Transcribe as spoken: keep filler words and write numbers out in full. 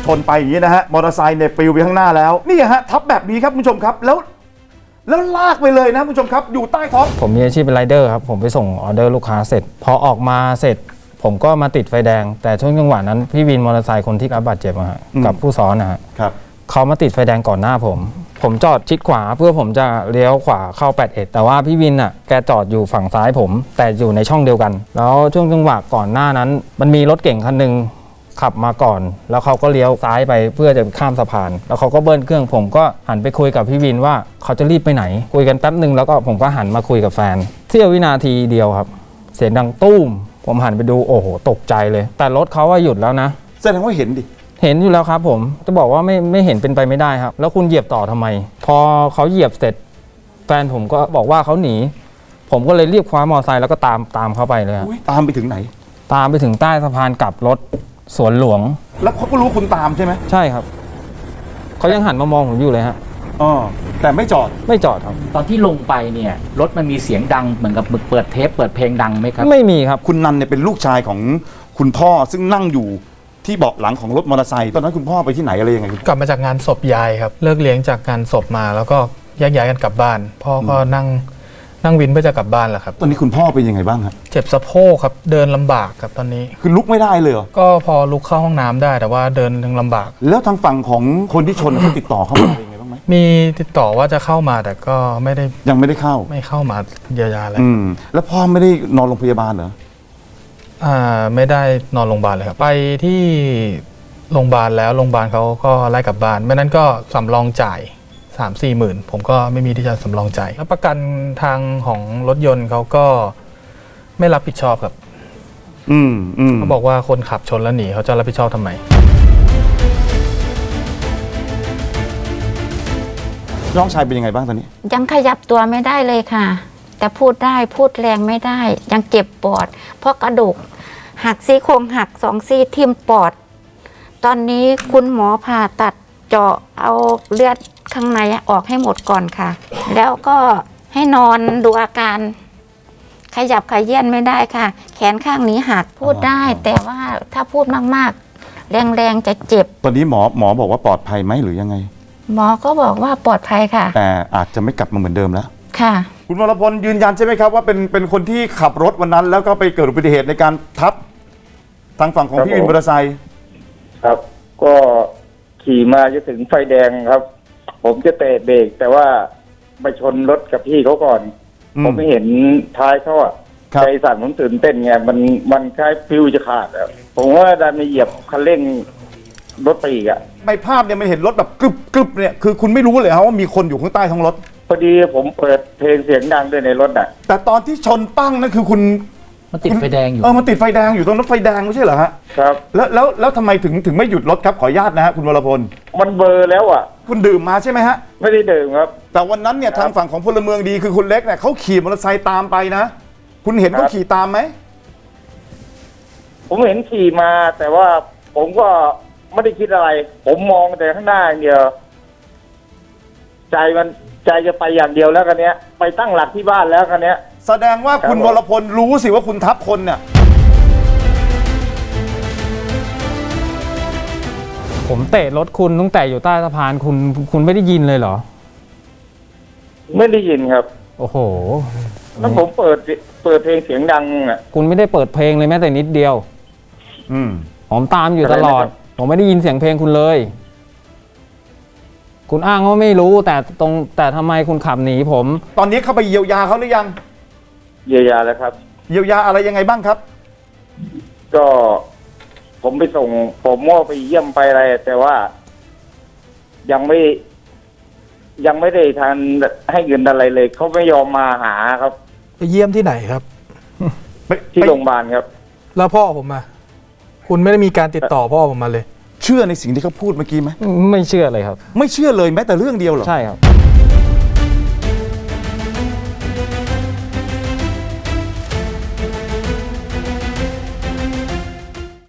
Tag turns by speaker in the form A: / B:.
A: ชนไปอย่างนี้นะฮะมอเตอร์ไซค์เนี่ยปลิวไปข้างหน้าแล้วนี่ฮะทับแบบนี้ครับคุณผู้ชมครับแล้วแล้วลากไปเลยนะคุณผู้ชมครับอยู่ใต้ท้อง
B: ผมมีอาชีพเป็นไรเดอร์ครับผมไปส่งออเดอร์ลูกค้าเสร็จพอออกมาเสร็จผมก็มาติดไฟแดงแต่ช่วงจังหวะนั้นพี่วินมอเตอร์ไซค์คนที่รับบาดเจ็บอะฮะกับผู้ซ้อนนะฮะเขามาติดไฟแดงก่อนหน้าผมผมจอดชิดขวาเพื่อผมจะเลี้ยวขวาเข้าแปดสิบเอ็ดแต่ว่าพี่วินอ่ะแกจอดอยู่ฝั่งซ้ายผมแต่อยู่ในช่องเดียวกันแล้วช่วงจังหวะก่อนหน้านั้นมันมีรถเก่งคันนึงขับมาก่อนแล้วเขาก็เลี้ยวซ้ายไปเพื่อจะข้ามสะพานแล้วเขาก็เบิ้ลเครื่องผมก็หันไปคุยกับพี่วินว่าเขาจะรีบไปไหนคุยกันแป๊บนึงแล้วก็ผมก็หันมาคุยกับแฟนเสี้ยววินาทีเดียวครับเสียงดังตุ้มผมหันไปดูโอ้โหตกใจเลยแต่รถเขาว่าหยุดแล้วนะ
A: แสดงว่าเห็นดิ
B: เห็นอยู่แล้วครับผมจะบอกว่าไม่ไม่เห็นเป็นไปไม่ได้ครับแล้วคุณเหยียบต่อทำไมพอเขาเหยียบเสร็จแฟนผมก็บอกว่าเขาหนีผมก็เลยรีบคว้ามอเตอร์ไซค์แล้วก็ตามตามเขาไปเลยครับ
A: ตามไปถึงไหน
B: ตามไปถึงใต้สะพานกลับรถสวนหลวง
A: แล้วเขาก็รู้คุณตามใช่ไหม
B: ใช่ครับเขายังหันมามองผมอยู่เลยฮะ
A: อ๋อแต่ไม่จอด
B: ไม่จอดครับ
C: ตอนที่ลงไปเนี่ยรถมันมีเสียงดังเหมือนกับเปิดเทปเปิดเพลงดังไหมครับ
B: ไม่มีครับ
A: คุณนันเนี่ยเป็นลูกชายของคุณพ่อซึ่งนั่งอยู่ที่เบาะหลังของรถมอเตอร์ไซค์ตอนนั้นคุณพ่อไปที่ไหนอะไรยังไง
D: กลับมาจากงานศพยายครับเลิกเลี้ยงจากงานศพมาแล้วก็แยกย้ายกันกลับบ้านพ่อก็นั่งนั่งวินเพื่อจะกลับบ้านแหละครับ
A: ตอนนี้คุณพ่อเป็นยังไงบ้างครับ
D: เจ็บสะโพกครับเดินลำบากครับตอนนี้
A: คือลุกไม่ได้เลยเหรอ
D: ก็พอลุกเข้าห้องน้ำได้แต่ว่าเดินยังลำบาก
A: แล้วทางฝั่งของคนที่ชนเขาติดต่อเข้ามาเป็นยังไงบ้างไหม
D: มีติดต่อว่าจะเข้ามาแต่ก็ไม่ได้
A: ยังไม่ได้เข้า
D: ไม่เข้ามาเยียวยาอะไร
A: อืมแล้วพ่อไม่ได้นอนโรงพยาบาลเหรอ
D: อ่าไม่ได้นอนโรงพยาบาลเลยครับไปที่โรงพยาบาลแล้วโรงพยาบาลเขาก็ไล่กลับบ้านไม่นั้นก็สำรองจ่ายสามสี่หมื่นผมก็ไม่มีที่จะสำรองจ่ายแล้วประกันทางของรถยนต์เขาก็ไม่รับผิดชอบครับ
A: อืมอืม
D: เขาบอกว่าคนขับชนแล้วหนีเขาจะรับผิดชอบทำไม
A: น้องชายเป็นยังไงบ้างตอนนี้
E: ยังขยับตัวไม่ได้เลยค่ะแต่พูดได้พูดแรงไม่ได้ยังเจ็บปอดเพราะกระดูกหักซี่โครงหักสองซี่ทิ่มปอดตอนนี้คุณหมอผ่าตัดเจาะเอาเลือดข้างในออกให้หมดก่อนค่ะแล้วก็ให้นอนดูอาการขยับขยื่นไม่ได้ค่ะแขนข้างนี้หักพูดได้แต่ว่าถ้าพูดมากๆแรงๆจะเจ็บ
A: ตอนนี้หมอหมอบอกว่าปลอดภัยไหมหรือยังไง
E: หมอก็บอกว่าปลอดภัยค่ะ
A: แต่อาจจะไม่กลับมาเหมือนเดิมแล้ว
E: ค่ะ
A: คุณวรพลยืนยันใช่ไหมครับว่าเป็นเป็นคนที่ขับรถวันนั้นแล้วก็ไปเกิดอุบัติเหตุในการทับทางฝั่งของพี่วินมอเตอร์ไซค์
F: ครับก็ขี่มาจะถึงไฟแดงครับ ผมจะเตะเบรกแต่ว่าไปชนรถกับพี่เขาก่อนผมไม่เห็นท้ายเขาอ่ะใจสั่นผมตื่นเต้นไงมันมันคล้ายฟิวจะขาดแล้วผมว่าดันไปเหยียบคันเร่งรถไปอีกอ่ะ
A: ในภาพเนี่ยมันเห็นรถแบบกรึบกรึบเนี่ยคือคุณไม่รู้เลยครับว่ามีคนอยู่ข้างใต้ท้องรถ
F: พอดีผมเปิดเพลงเสียงดังด้วยในรถอ่ะ
A: แต่ตอนที่ชนปั้งนั่นคือคุณ
C: มันติดไฟแดงอยู่
A: เออมันติดไฟแดงอยู่ตรงรถไฟแดงไม่ใช่เหรอฮะ
F: ครับ
A: แล้วแล้วแล้วทำไมถึงถึงไม่หยุดรถครับขออนุญาตนะฮะคุณวรพล
F: มันเบอร์แล้วอ่ะ
A: คุณดื่มมาใช่ไหมฮะ
F: ไม่ได้ดื่มครับ
A: แต่วันนั้นเนี่ยทางฝั่งของพลเมืองดีคือคุณเล็กเนี่ยเขาขี่มอเตอร์ไซค์ตามไปนะคุณเห็นเขาขี่ตามไหม
F: ผมเห็นขี่มาแต่ว่าผมก็ไม่ได้คิดอะไรผมมองแต่ข้างหน้าอย่างเดียวใจมันใจจะไปอย่างเดียวแล้วกันเนี้ยไปตั้งหลักที่บ้านแล้วกันเนี้ย
A: แสดงว่าคุณวรพลรู้สิว่าคุณทับคนเนี่ย
B: ผมเตะรถคุณตั้งแต่อยู่ใต้สะพานคุณคุณไม่ได้ยินเลยเหรอ
F: ไม่ได้ยินครับ
B: โอ้โห
F: แล้วผมเปิดเปิดเพลงเสียงดังอ่ะ
B: คุณไม่ได้เปิดเพลงเลยแม้แต่นิดเดียว
A: อืม
B: ผมตามอยู่ตลอดผมไม่ได้ยินเสียงเพลงคุณเลยคุณอ้างว่าไม่รู้แต่ตรงแต่ทำไมคุณขับหนีผม
A: ตอนนี้เข้าไปเยียวยาเขาหรือยัง
F: เยียวยาแล้วครับ
A: เยียวยาอะไรยังไงบ้างครับ
F: ก็ผมไปส่งผมมั่วไปเยี่ยมไปอะไรแต่ว่ายังไม่ยังไม่ได้ทันให้เงินอะไรเลยเขาไม่ยอมมาหาครับ
D: ไปเยี่ยมที่ไหนครับ
F: ที่โรงพยาบาลครับ
D: แล้วพ่อผมมาคุณไม่ได้มีการติดต่อพ่อผมมาเลย
A: เชื่อในสิ่งที่เขาพูดเมื่อกี้ไหม
B: ไม่เชื่อเลยครับ
A: ไม่เชื่อเลยแม้แต่เรื่องเดียวหรอ
B: ใช่ครับ